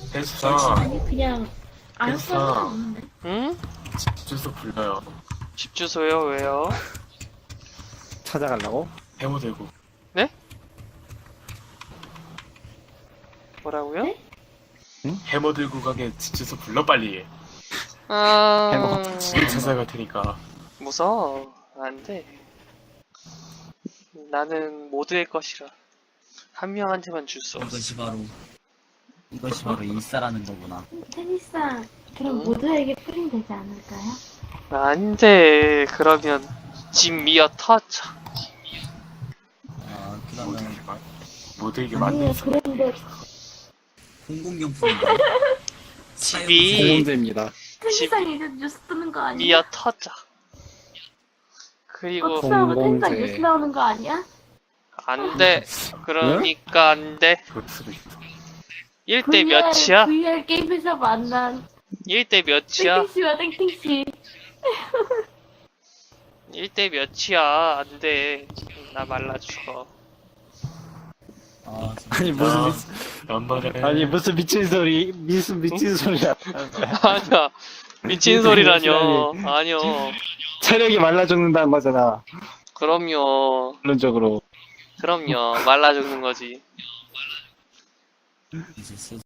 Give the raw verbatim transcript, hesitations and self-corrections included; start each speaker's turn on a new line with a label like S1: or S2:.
S1: 했어.
S2: 아니 그냥 안
S1: 됐어.
S2: 써도 없는데.
S3: 응?
S1: 주소 불러요.
S3: 집 주소요? 왜요?
S4: 찾아가려고?
S1: 해모 들고.
S3: 뭐라고요?
S2: 네?
S1: 해모 들고 가게 집 주소 불러 빨리.
S3: 아...
S1: 집에 찾아갈 테니까.
S3: 무서워. 안 돼. 나는 모두의 것이라. 한 명한테만 줄 수 없어.
S5: 이것이 바로 이것이 바로 일사라는 거구나.
S2: 테니스야, 그럼
S3: 응?
S2: 모두에게 풀이 되지 않을까요?
S3: 안 돼. 그러면 집 미어 터져.
S5: 아
S1: 모두에게
S5: 그러면
S1: 만 모두에게
S2: 아니요,
S1: 맞는
S2: 그런데
S5: 공공용품인가?
S3: 집이
S4: 공문제입니다.
S2: 테니스랑 이제 뉴스 뜨는 거 아니야?
S3: 미어 터져. 그리고
S2: 박수하고
S4: 공공재.
S2: 테니스랑 뉴스 나오는 거 아니야?
S3: 안 돼. 그러니까 안 돼.
S1: 그럴 수도 있어.
S3: 일 대 몇이야?
S2: 브이알 게임에서 만난
S3: 일 대 몇이야?
S2: 땡땡씨와 땡땡씨.
S3: 일 대 몇이야? 안 돼. 나 말라 죽어.
S5: 아 진짜.
S4: 아니 무슨
S1: 아,
S4: 미,
S1: 연말에
S4: 아니 무슨 미친 소리 무슨 미친 소리야.
S3: 아니야. 미친 소리라뇨. 아니요.
S4: 체력이 말라 죽는다는 거잖아.
S3: 그럼요.
S4: 결론적으로.
S3: 그럼요. 말라 죽는 거지.
S5: 이제 슬슬